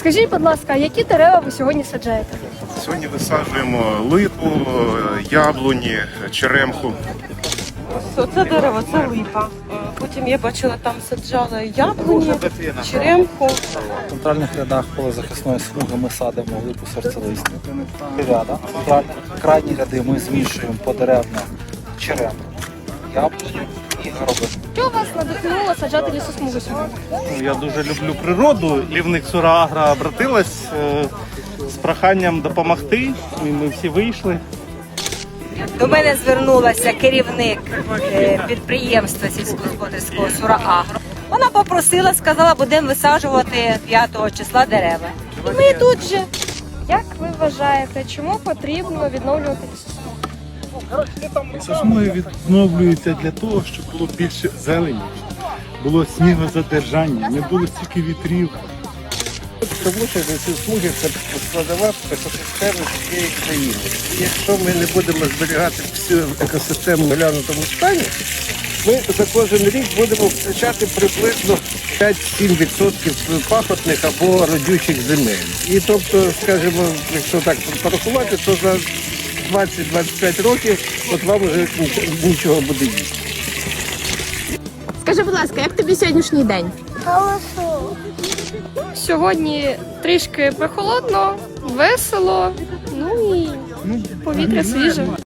Скажіть, будь ласка, які дерева ви сьогодні саджаєте? Сьогодні висаджуємо липу, яблуні, черемху. Оце дерево, це липа. Потім я бачила, там саджали яблуні, черемху. В центральних рядах полезахисної смуги ми садимо липу серцелистну. Ряда. Крайні ряди ми змішуємо подеревно черемху, яблуню і горобину. Що вас надихнуло саджати лісосмугу сьогодні? Я дуже люблю природу. Лівник Сураагра обратилась з проханням допомогти. Ми всі вийшли. До мене звернулася керівник підприємства сільськогосподарського Сураагро. Вона попросила, сказала, будемо висаджувати 5 числа дерева. І ми тут же. Як ви вважаєте, чому потрібно відновлювати лісосмугу? Лісосмуги відновлюються для того, щоб було більше зелені, було снігозадержання, не було стільки вітрів. Тому що лісосмуги – це складова екосистеми всієї країни. Якщо ми не будемо зберігати всю екосистему в доглянутому стані, ми за кожен рік будемо втрачати приблизно 5-7% пахотних або родючих земель. І тобто, скажімо, якщо так порахувати, то за 20-25 років от вам вже нічого буде їсти. Скажи, будь ласка, як тобі сьогоднішній день? Сьогодні трішки прохолодно, весело, ну і повітря свіже.